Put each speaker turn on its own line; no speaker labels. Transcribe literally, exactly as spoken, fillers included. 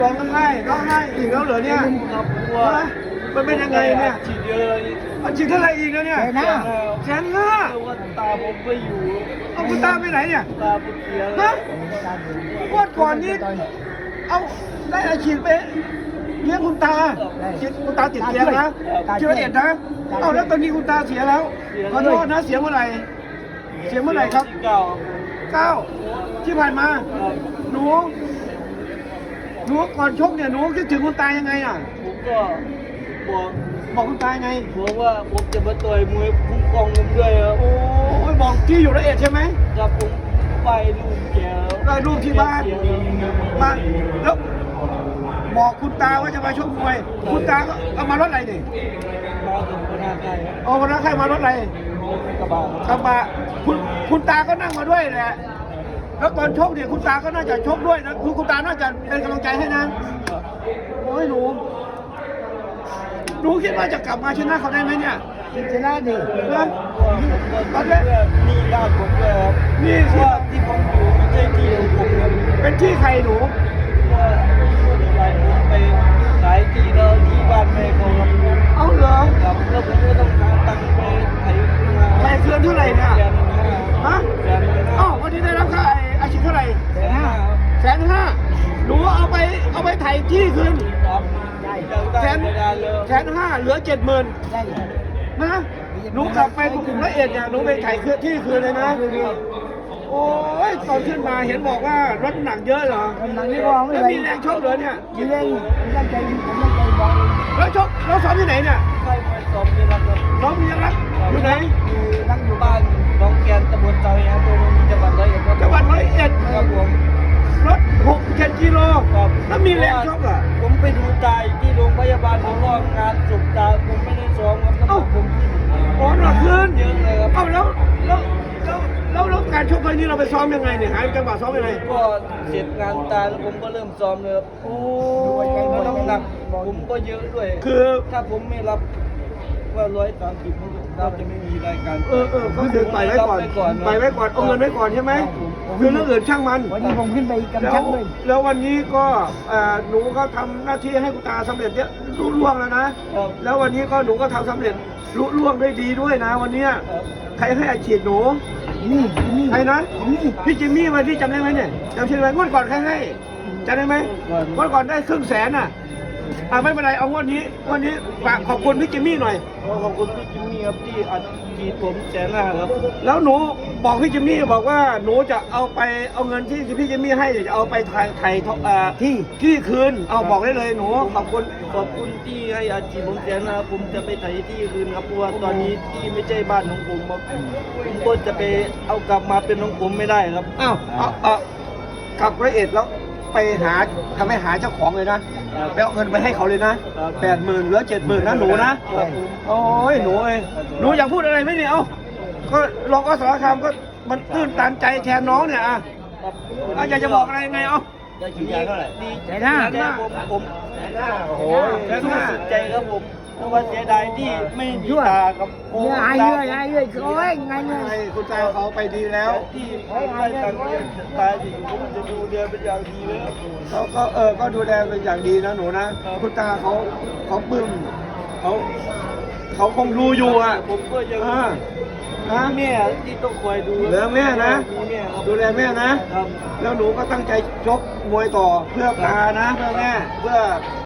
ร้องไห้ร้องไห้อีกแล้วเหรอเนี่ย
ครับกลัว
ฮะมันเป็นยังไงเนี่ย
ฉีดเยอะเลย
อันฉีดเท่าไหร่อีกแล้วเนี่ย
แสนห้า
แสนห้า
เพราะว่าตาผมไม่อยู่
เอาคุณตาไปไหนเนี่ย
ตาผมเสียเล
ฮะ
ย
งวดก่อนนี้เอาได้อาฉีดไปเลี้ยงคุณตาฉีดคุณตาติดเตียงนะเชื้อเอ็ดนะเอาแล้วตอนนี้คุณตาเสียแล้วขอโทษนะเสียเมื่อไหร่เสียเมื่อไหร่ครับ
ที่เก่า
เก้าที่ผ่านมา
ครับ
หนูหนูก่อนชกเนี่ยหนูคิดถึงคุณตายังไงอ่ะ
ผมก็บอก
บอกคุณตายังไง
บอกว่าผมจะมาต่อยมวยคุ้มครองผมด้วยครับ
โอ้ยบอกที่อยู่ละเอียดใช่ไหม
ครับผมไปลูกแก
ได้รูปที่บ้าน
เสียเลย
มาแล้วบอกคุณตาว่าจะมาชกมวย คุณตาก็เอามารถอะไรนี่
มาถึงพนักงานครับ
เอาวันนั้นใครมารถอะไร
กระบะ
กระบะคุณคุณตาก็นั่งมาด้วยแหละแล้วตอนชกเนี่ยคุณตาก็น่าจะชกด้วยนะคุณคุณตาน่าจะเป็นกำลังใจให้นะโอ้ยหนูหนูคิดว่าจะกลับมาชนะเขาได้ไหมเนี่ย
ชนะดิ
นะ
ตอนแรกนี่ญาติผมเลยครับ
นี่
เพ
สิ
ราะว่าที่ผมอยู่ไม่ใช่ที่ของผมครับ
เป็นที่ใครหนู
ว่าอะไรผมไปขายที่แล้วที่บ้านแม่เขาครับ
เอาเหรอ
ครับแล้วผมก็ต้องหาตังค์ไปไถนา
ใครเคืนเท่าไหร่เนี่ย
แสนห้า
ฮะ
แสนห้า
อ้าววันนี้ได้รับค่าไอ้อาชีพเท่าไหร่
แสนห้า
แสนห้าหนูเอาไปเอาไปไถ่ที่คืน
ครับได้
แสน
เวลาเลย
แสนห้าเหลือเจ็ดหมื่น
ได้
นะหนูกลับไปกรุงละเอียดเนี่ยหนูไปไถ่คืนที่คืนเลยนะ โอ้ยตอนขึ้นมาเห็นบอกว่ารถหนักเยอะเหรอ
หนังนี่ก็ไม่
แล้ว
ไหว
มีแรงชกเหรอเนี่ย
มีเร่งผมตั้งใจผมตั้งใจบอก
แล้วชกแล้วซ้อมที่ไหนเนี่ย
ใช่ไปสอบที่รักครับ
น้องมียังรักอยู่ไหน
อยู่รักอยู่
บ้านน้องแกนตำบลเตาแย้มตัวนี้จังหวัดร้อยเอ็ดครับ
จังหวัดร้อยเอ็ด
ครับผม
รถหกเจ็ดกิโล
ครับ
แล้วมีแรงชกเหรอ
ผมไปดูตายที่โรงพยาบาลผมก็งานสุกตาผมไม่ได้ซ้อมครับแล้วผม
อ๋อหนักขึ้น
เยอะเลยครับ
เอ้าแล้วแล้วแล้วแล้วแล้วการชกครั้งนี้เราไปซ้อมยังไงเนี่ยหาจังหวะซ้อมยังไง
ก็เสร็จงานตาแล้วผมก็เริ่มซ้อมเลยครับ
โอ้
แล้วน้ำหนักผมก็เยอะด้วย
คือ
ถ้าผมไม่รับว่าร้อยสามสิบเราจะไม่มีรายการ
เออเออก็คือไปไว้ก่อนไปไว้ก่อนเอาเงินไว้ก่อนใช่ไหมคือเรื่องอื่นช่างมัน
วันนี้ผมขึ้นไปกำ
แล้
ชั
ว
บเลย
แล้ววันนี้ก็เอ่อหนูก็ทำหน้าที่ให้คุณตาสำเร็จเยอะรุ่ล่วงแล้วนะ
ครับ
แล้ววันนี้ก็หนูก็ทำสำเร็จรุ่ล่วงได้ดีด้วยนะ วันเนี้ย
ครับ
ใครให้อาชีพหนู
นี่นี่
ใครนะ
นี่
พี่จิมมี่มาที่จำได้ไหมเนี่ยจำชื่อไหมงวดก่อนใครให้จำได้ไหมงวดก่อนได้ครึ่งแสนอ่ะอ่าไม่เป็นไรเอางวดนี้งวดนี้ฝากขอบคุณพี่จิมมี่หน่อย
ขอบคุณพี่จิมมี่ครับที่อัดฉีดผมแสนห้าครับ
แล้วหนูบอกพี่จิมมี่บอกว่าหนูจะเอาไปเอาเงินที่พี่จิมมี่ให้เนี่ยจะเอาไปไถ่ไถ่เอ่อ
ที่
ที่คืนเอาบอกได้เลยหนูขอบคุณ
ขอบคุณที่ให้อาชีพผมแสนห้าผมจะไปไถที่คืนครับเพราะว่าตอนนี้ที่ไม่ใช่บ้านของผมครับผมก็จะไปเอากลับมาเป็นของผมไม่ได้ครับ
อ้าวเอาเอากลับร้อยเอ็ดแล้วไปหาทำให้หาเจ้าของเลยนะไปเอาเงินไปให้เขาเลยนะแปดหมื่นเหลือเจ็ดหมื่นนะหนูนะครับ
ผม
โอ้ยหนูเอ้ยหนูอยากพูดอะไรไหมเนี่ยเอ้าก็ลองก็สารคามก็มันตื้นตันใจแทนน้องเนี่ยอ่ะ
ครับ
เอาอยากจะบอกอะไรยังไงเอ้า
ได้ฉีดยาเท่าไหร่ดี
แสนห้า
ใจผมผมโอ้โห
แสน
สู้
ห้า
สุดใจครับผมเพราะว่าเสียดายที่ไม่มีตาครับโอ้
เนื้อหายเยอะหายเยอะโอ้ยไงเงี้ย
ให้คุณตาเขาไปดีแล้ว
ที่ไม่ตังค์เรียนตายอยู่ผมจะดูเรียนเป็นอย่างดีเลยครับ
เขาก็เออก็ดูแลเป็นอย่างดีนะหนูนะคุณตาเขาเขาปลื้มเขาเขาคงดูอยู่อ่ะ
ผมก็ยัง
อ่านะ
แม่ที่ต้องคอยดู
เหลือแม่นะ
มีแม่ครับ
ดูแลแม่นะ
ครับ
แล้วหนูก็ตั้งใจชกมวยต่อเพื่อตานะเพื่อแม่เพื่อ